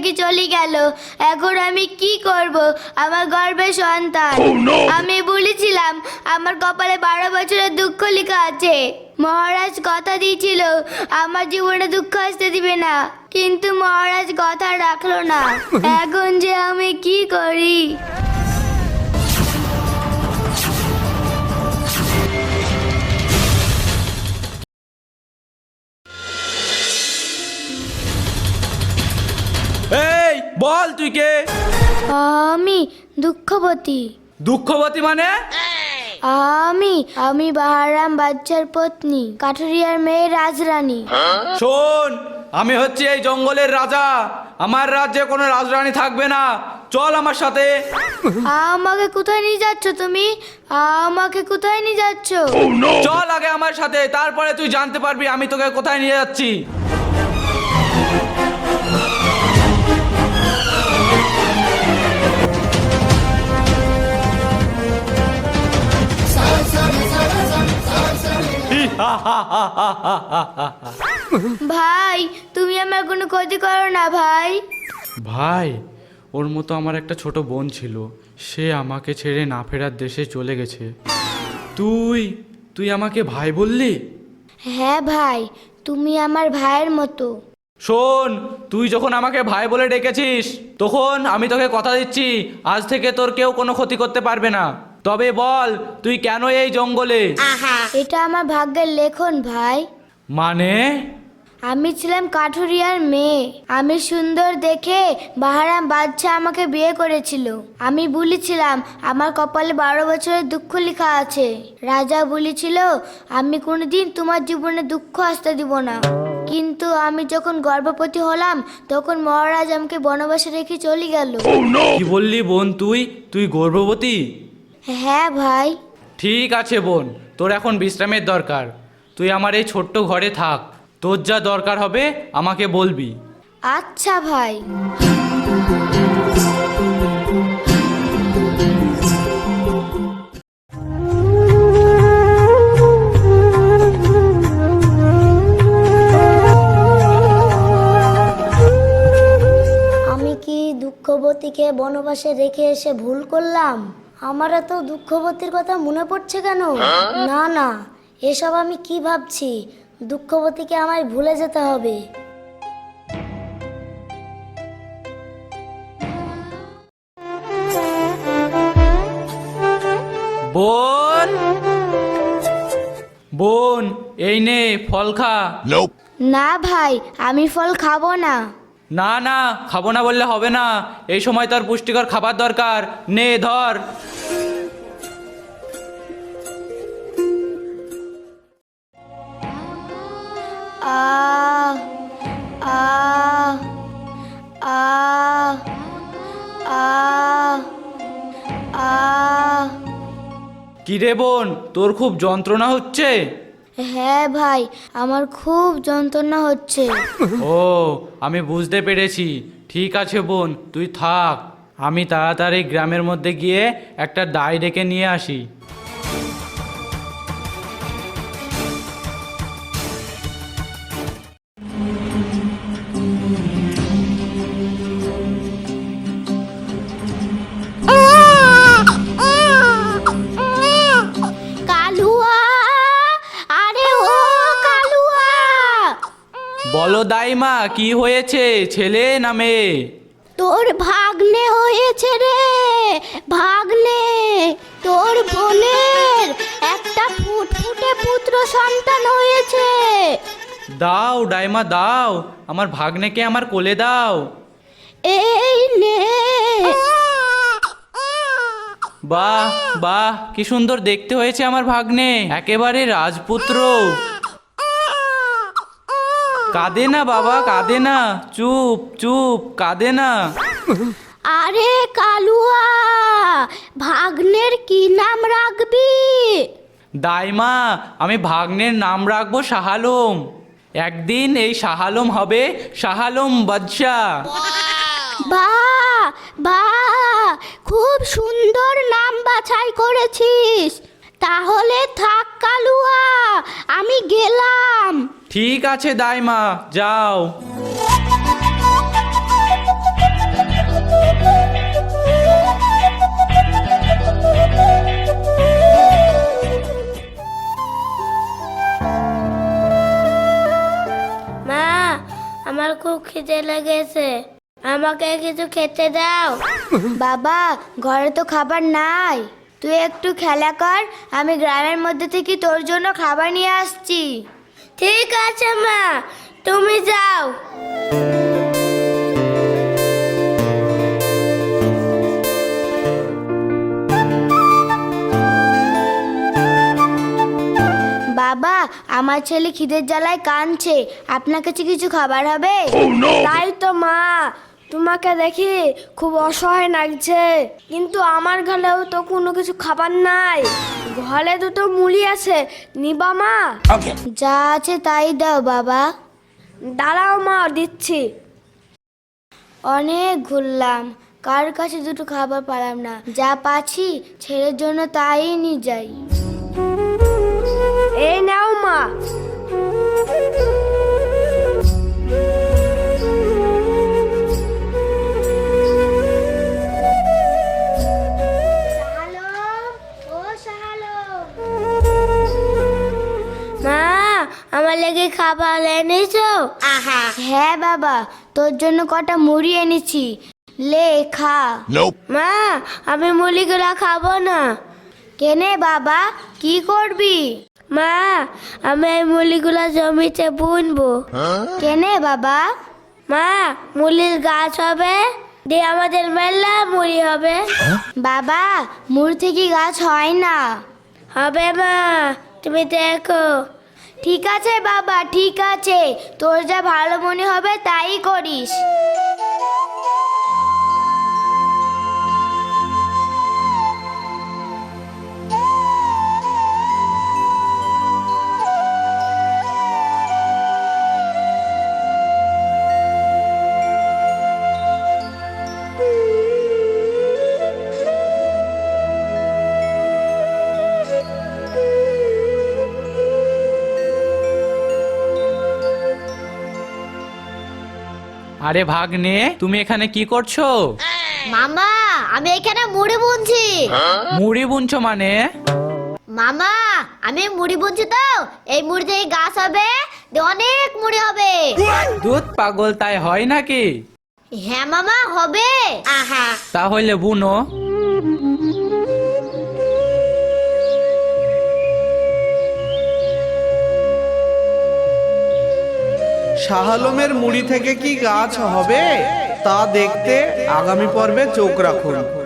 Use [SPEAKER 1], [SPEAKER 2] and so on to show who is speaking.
[SPEAKER 1] রেখে চলে গেল। এখন আমি কি করব? আমার গর্ভের সন্তান। আমি বলেছিলাম আমার কপালে 12 বছরের দুঃখ লেখা আছে। মহারাজ কথা দিয়েছিল আমার জীবনে দুঃখ আসতে দিবে না, কিন্তু মহারাজ কথা রাখলো না। এখন যে আমি কি করি?
[SPEAKER 2] এই বল তুই কে?
[SPEAKER 1] আমি দুঃখবতী।
[SPEAKER 2] দুঃখবতী মানে?
[SPEAKER 1] আমি বাহারাম বাচ্চার পত্নী, কাঠুরিয়ার মেয়ে রাজরানী।
[SPEAKER 2] শোন, আমি হচ্ছি এই জঙ্গলের রাজা। আমার রাজ্যে কোনো রাজরানী থাকবে না। চল আমার সাথে।
[SPEAKER 1] আমাকে কোথায় নিয়ে যাচ্ছ তুমি? আমাকে কোথায় নিয়ে যাচ্ছ?
[SPEAKER 2] চল আগে আমার সাথে, তারপরে তুই জানতে পারবি আমি তোকে কোথায় নিয়ে যাচ্ছি।
[SPEAKER 1] ভাই, তুমি আমার কোনো ক্ষতি করো না ভাই।
[SPEAKER 2] ভাই, ওর মতো আমার একটা ছোট বোন ছিল, সে আমাকে ছেড়ে না ফেরার দেশে চলে গেছে। তুই আমাকে ভাই বললি?
[SPEAKER 1] হ্যাঁ ভাই, তুমি আমার ভাইয়ের মতো।
[SPEAKER 2] শোন, তুই যখন আমাকে ভাই বলে ডেকেছিস, তখন আমি তোকে কথা দিচ্ছি আজ থেকে তোর কেউ কোনো ক্ষতি করতে পারবে না। তবে বল, তুই কেন এই জঙ্গলে?
[SPEAKER 1] এটা আমার ভাগ্যের লেখন ভাই।
[SPEAKER 2] মানে?
[SPEAKER 1] আমি ছিলাম কাঠুরিয়ার মেয়ে। আমি সুন্দর দেখে বাহারাম বাদশা আমাকে বিয়ে করেছিল। আমি বলেছিলাম আমার কপালে 12 বছরের দুঃখ লেখা আছে। রাজা বলেছিল আমি কোনোদিন তোমার জীবনে দুঃখ আসতে দিব না। কিন্তু আমি যখন গর্ভবতী হলাম তখন মহারাজ আমাকে বনবাসে রেখে চলে গেল।
[SPEAKER 2] কি বললি বোন? তুই গর্ভবতী?
[SPEAKER 1] হ্যাঁ ভাই।
[SPEAKER 2] ঠিক আছে বোন, তোর এখন বিশ্রামের দরকার। তুই আমার এই ছোট্ট ঘরে থাক। তোর যা দরকার হবে আমাকে বলবি।
[SPEAKER 1] আচ্ছা ভাই। আমি কি দুঃখবতীকে বনবাসে রেখে এসে ভুল করলাম? আমার এত দুঃখবতীর কথা মনে পড়ছে কেন? না না, এসব আমি কি ভাবছি? দুঃখবতীকে আমায় ভুলে যেতে হবে।
[SPEAKER 2] বোন, বোন, এই নে ফল খা।
[SPEAKER 1] না ভাই, আমি ফল খাবো না।
[SPEAKER 2] না না, খাবো না বললে হবে না। এই সময় তোর পুষ্টিকর খাবার দরকার। নে ধর।
[SPEAKER 1] আহ আহ আহ আহ আহ
[SPEAKER 2] কি রে বোন, তোর খুব যন্ত্রণা হচ্ছে?
[SPEAKER 1] হ্যাঁ ভাই, আমার খুব যন্ত্রণা হচ্ছে।
[SPEAKER 2] ও, আমি বুঝতে পেরেছি। ঠিক আছে বোন, তুই থাক। আমি তাড়াতাড়ি গ্রামের মধ্যে গিয়ে একটা দাই ডেকে নিয়ে আসি।
[SPEAKER 1] কালুয়া, আরে ও কালুয়া!
[SPEAKER 2] বলো দাইমা, কি হয়েছে, ছেলে না মেয়ে?
[SPEAKER 1] তোর ভাগ্নে হয়েছে রে, ভাগ্নে। তোর বোনের একটা ফুটফুটে পুত্র সন্তান হয়েছে।
[SPEAKER 2] দাও ডাইমা দাও, আমার ভাগ্নেকে আমার কোলে দাও।
[SPEAKER 1] এই নে।
[SPEAKER 2] বাহ বাহ, কি সুন্দর দেখতে হয়েছে আমার ভাগ্নে, একেবারে রাজপুত্র। কাঁদে না বাবা, কাঁদে না, চুপ চুপ, কাঁদে না।
[SPEAKER 1] আরে কালুয়া, ভাগ্নের কি নাম রাখবি?
[SPEAKER 2] দাইমা, আমি ভাগ্নের নাম রাখবো শাহ আলম। একদিন এই শাহ আলম হবে শাহ আলম বাদশা।
[SPEAKER 1] বাহ বাহ, খুব সুন্দর নাম বাছাই করেছিস। তাহলে থাক কালুয়া, আমি গেলাম।
[SPEAKER 2] ঠিক আছে দাইমা, যাও।
[SPEAKER 1] মা, আমার খুব খিদে লেগেছে, আমাকে কিছু খেতে দাও। বাবা, ঘরে তো খাবার নাই, তুই একটু খেলা কর, আমি গ্রামের মধ্যে থেকে তোর জন্য খাবার নিয়ে আসছি। ঠিক আছে মা, তুমি যাও। বাবা, আমার ছেলে খিদের জ্বালায় কাঁদছে, আপনার কাছে কিছু খাবার হবে? তাই তো মা, তোমাকে দেখি খুব অসহায় লাগছে, কিন্তু আমার ঘরেও তো কোনো কিছু খাবার নাই। ঘরে দুটো মুড়ি আছে, নিবা মা? যা আছে তাই দাও বাবা। দাঁড়াও মা, দিচ্ছি। অনেক ঘুরলাম, কার কাছে দুটো খাবার পেলাম না, যা পাচ্ছি ছেলের জন্য তাই নিয়ে যাই। এই নাও মা। মা, আমার লেগে খাবার এনেছো? হ্যাঁ বাবা, তোর জন্য কটা মুড়ি এনেছি, লে খা। মা, আমি মুড়িগুলা খাবো না। কেনে বাবা, কি করবি? মা, আমি এই মুড়িগুলা জমিতে বুনবো। কেনে বাবা? মা, মুড়ির গাছ হবে, দিয়ে আমাদের মেলা মুড়ি হবে। বাবা, মুড়ি থেকে গাছ হয় না। হবে মা, তুমি দেখো। ঠিক আছে বাবা, ঠিক আছে, তোর যা ভালো মনে হবে তাই করিস।
[SPEAKER 2] আরে ভাগ্নে, তুমি এখানে কি করছো?
[SPEAKER 3] মামা, আমি এখানে মুড়ি বুনছি।
[SPEAKER 2] মুড়ি বুনছো মানে?
[SPEAKER 3] মামা, আমি মুড়ি বুনছি তো, এই মুড়ি থেকে গাছ হবে, দিয়ে অনেক মুড়ি হবে।
[SPEAKER 2] দুধ পাগল, তাই হয় নাকি?
[SPEAKER 3] হ্যাঁ মামা, হবে।
[SPEAKER 2] তাহলে বুনো।
[SPEAKER 4] শাহ আলমের মুড়ি থেকে কি গাছ হবে তা দেখতে আগামী পর্বে চোখ রাখুন।